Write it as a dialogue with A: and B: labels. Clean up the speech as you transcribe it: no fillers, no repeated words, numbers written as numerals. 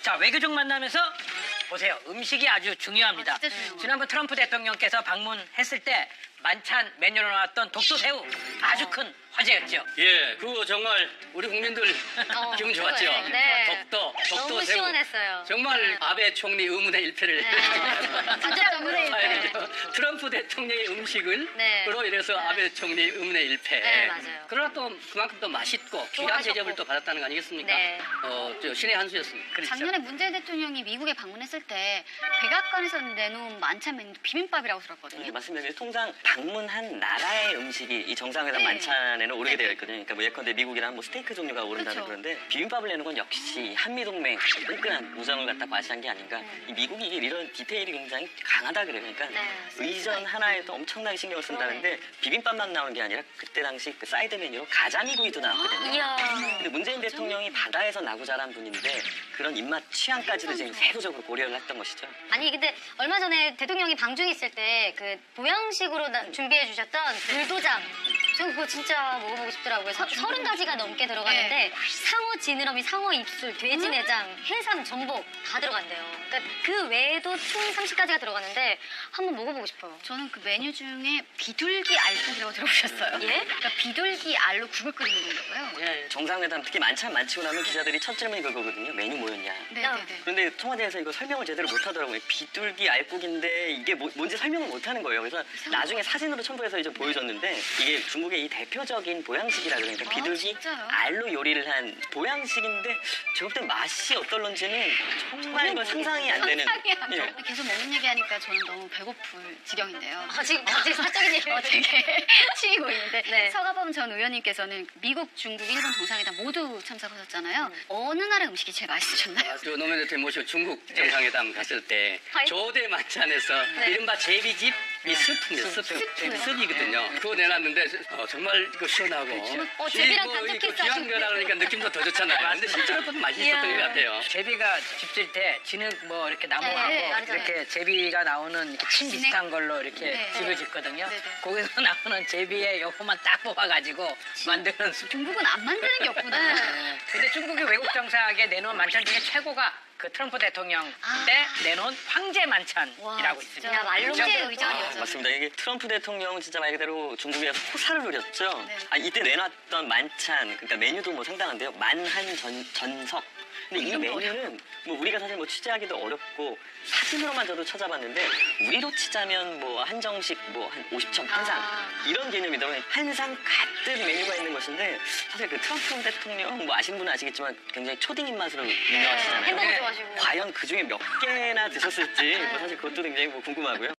A: 자, 외교적 만나면서 보세요. 음식이 아주 중요합니다.
B: 진짜 중요해요.
A: 지난번 트럼프 대통령께서 방문했을 때 만찬 메뉴로 나왔던 독도새우 아주 큰 화제였죠.
C: 예, 그거 정말 우리 국민들 기분 좋았죠.
B: 최고예요. 네.
C: 독도
B: 너무
C: 새우.
B: 시원했어요.
C: 정말 아베 총리 의문의 일패를
B: 진짜 의문의 일패.
C: 아니, 트럼프 대통령의 음식을
B: 네.
C: 그로 인해서 아베 총리 의문의 일패.
B: 네, 맞아요.
C: 그러나 또 그만큼 또 맛있고 귀한
B: 좋아하셨고.
C: 대접을 또 받았다는 거 아니겠습니까?
B: 네.
C: 저 신의 한 수였습니다.
A: 그렇죠.
D: 작년에 문재인 대통령이 미국에 방문했을 때 백악관에서 내놓은 만찬 메뉴 비빔밥이라고 들었거든요.
E: 네, 맞습니다. 통상 방문한 나라의 음식이 이 정상회담
D: 네.
E: 만찬에는 오르게 되어 있거든요. 그러니까 뭐 예컨대 미국이란 뭐 스테이크 종류가 오른다는
D: 그렇죠.
E: 그런데 비빔밥을 내는 건 역시 한미동맹 끈끈한 우정을 갖다 과시한 게 아닌가. 이 미국이 이런 디테일이 굉장히 강하다 그래요. 그러니까
B: 네.
E: 의전 하나에도 엄청나게 신경을 쓴다는데 비빔밥만 나오는 게 아니라 그때 당시 그 사이드 메뉴로 가자미구이도 나왔거든요.
B: 이야.
E: 근데 문재인 대통령이 바다에서 나고 자란 분인데 그런 입맛 취향까지도 지금 세부적으로 고려를 했던 것이죠.
B: 아니 근데 얼마 전에 대통령이 방중에 있을 때 그 보양식으로 준비해 주셨던 불도장 저 그거 진짜 먹어보고 싶더라고요. 30가지가 넘게 들어가는데 상어 지느러미, 상어 입술, 돼지 내장, 해삼, 전복 다 들어간대요. 그러니까 그 외에도 총 30가지가 들어가는데 한번 먹어보고 싶어요.
D: 저는 그 메뉴 중에 비둘기 알국이라고 들어보셨어요?
B: 예?
D: 그러니까 비둘기 알로 국을 끓이는 건가 봐요.
E: 예, 정상회담 특히 만찬 마치고 나면 기자들이 첫 질문이 그거거든요. 메뉴 뭐였냐.
D: 네네네.
E: 그런데 청와대에서 이거 설명을 제대로 못 하더라고요. 비둘기 알국인데 이게 뭔지 설명을 못 하는 거예요. 그래서 나중에 사진으로 첨부해서 이제 보여줬는데 이게 중국의 이 대표적인 보양식이라 그러니까 비둘기
D: 진짜요?
E: 알로 요리를 한 보양식인데 제가 볼 때 맛이 어떨런지는 정말 이거 상상이 안 되는.
D: 상상이 안
E: 예.
D: 돼. 계속 먹는 얘기하니까 저는 너무 배고플 지경인데요.
B: 지금 갑자기 사적인 얘기
D: 되게 치이고 있는데
B: 네.
D: 서가범 전 의원님께서는 미국, 중국, 일본 정상회담 모두 참석하셨잖아요. 어느 나라 음식이 제일 맛있으셨나요?
C: 저 노무현 대통령 모시고 중국 정상회담 갔을 때
B: 아이.
C: 조대 만찬에서
B: 네.
C: 이른바 제비집 이 스프입니다. 스프이거든요. 그거 내놨는데 정말 이거 시원하고
B: 제비랑
C: 이
B: 단짝 키스
C: 귀한
B: 하시고.
C: 거라 그러니까 느낌도 더 좋잖아요. 근데 실제로 또 맛있었던
B: 이야.
C: 것 같아요.
A: 제비가 집질 때 진흙 뭐 이렇게 나무하고
B: 네, 알잖아요.
A: 이렇게 제비가 나오는 이렇게 침 비슷한 걸로 이렇게
D: 네.
A: 집을 짓거든요.
D: 네, 네.
A: 거기서 나오는 제비의 요거만 딱 뽑아가지고 만드는 수.
D: 중국은 안 만드는 게 없구나.
A: 네. 근데 중국이 외국 정상에게 내놓은 만찬 중에 최고가 그 트럼프 대통령 때 내놓은 황제 만찬이라고 있습니다.
B: 야, 말로
A: 그렇죠?
B: 황제
E: 아,
B: 의전이었죠.
E: 맞습니다. 이게 트럼프 대통령은 진짜 말 그대로 중국에서 호사를 누렸죠.
D: 네.
E: 이때 내놨던 만찬, 그러니까 메뉴도 뭐 상당한데요. 만한 전석. 근데 이
D: 이름도
E: 메뉴는 뭐 우리가 사실 뭐 취재하기도 어렵고 사진으로만 저도 찾아봤는데 우리로 치자면 뭐 한정식 뭐 한 50점 한 상 이런 개념이더라고요. 한 상 가득 메뉴가 있는 것인데 사실 그 트럼프 대통령 뭐 아시는 분은 아시겠지만 굉장히 초딩 입맛으로 유명하시잖아요.
B: 햄버거
A: 네.
B: 좋아하시고.
E: 과연 그 중에 몇 개나 드셨을지 뭐 사실 그것도 굉장히 뭐 궁금하고요.